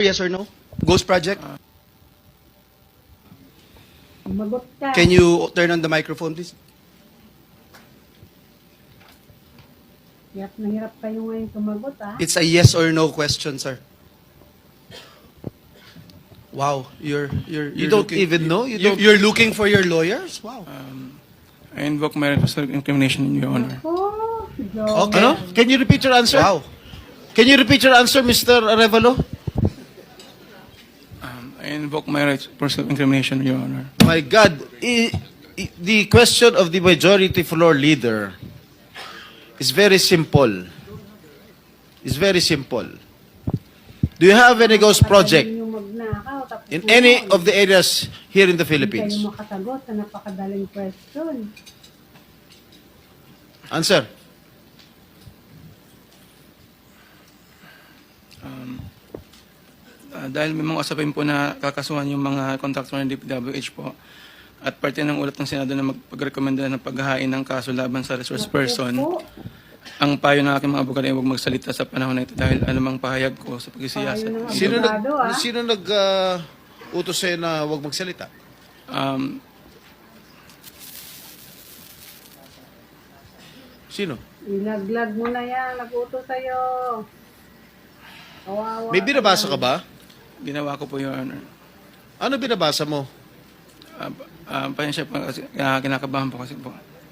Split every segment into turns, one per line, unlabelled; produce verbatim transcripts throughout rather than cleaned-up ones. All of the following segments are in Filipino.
Yes or no? Ghost Project?
Magot ka.
Can you turn on the microphone, please?
Hirap na hirap kayo ngayon sumagot, ah.
It's a yes or no question, sir. Wow, you're you're,
You
you're
don't
looking,
even know? You
You
don't-
You're looking for your lawyers? Wow.
I invoke my right to self-incrimination, Your Honor.
Oh, Joel.
Okay.
Ano? Can you repeat your answer?
Wow.
Can you repeat your answer, Mister Arevalo?
Um, I invoke my right for self-incrimination, Your Honor.
My God, I, I, the question of the majority floor leader is very simple. It's very simple. Do you have any ghost project
Patayin yung magnakaw, tapos
in
ngayon,
any of the areas here in the
Hindi
Philippines?
kayo makasagot sa napakadaling question.
Answer.
Uh, dahil may mga usapin po na kakasuhan yung mga contractor ng D P W H po at parte ng ulat ng Senado na magpag-rekomenda ng paghahain ng kaso laban sa resource person,
Opo.
ang payo ng aking mga abogado ay huwag magsalita sa panahon na ito dahil anumang pahayag ko sa pagsisiyasat.
Payo ng
Sino nag
Abogado, ah.
sino nag uh, utos sa'yo na huwag magsalita?
Um,
Sino?
Ilaglag mo na yan, nag-uto sa'yo. Kawawa
May binabasa ka ba?
ginawa ko po, Your Honor.
Ano binabasa mo?
Uh, uh, pasensya po kasi uh, kinakabahan po kasi po.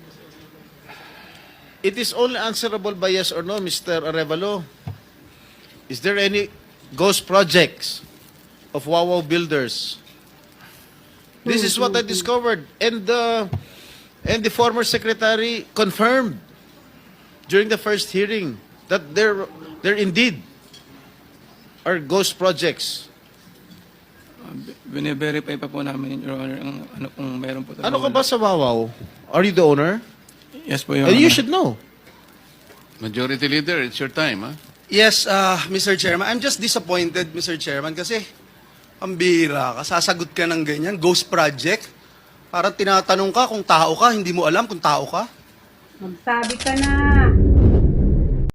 It is only answerable by yes or no, Mister Arevalo. Is there any ghost projects of Wawaw builders? This is what I discovered, and the and the former secretary confirmed during the first hearing that there there indeed are ghost projects.
Uh, bine-verify pa po namin, Your Honor, ang ano kung meron po.
Ano ka ba sa Wawaw? Are you the owner?
Yes po, Your
And
Honor.
you should know.
Majority Leader, it's your time, huh?
Yes, uh, Mister Chairman. I'm just disappointed, Mister Chairman, kasi ang bira ka, sasagot ka ng ganyan, Ghost Project. Parang tinatanong ka kung tao ka, hindi mo alam kung tao ka.
Magsabi ka na.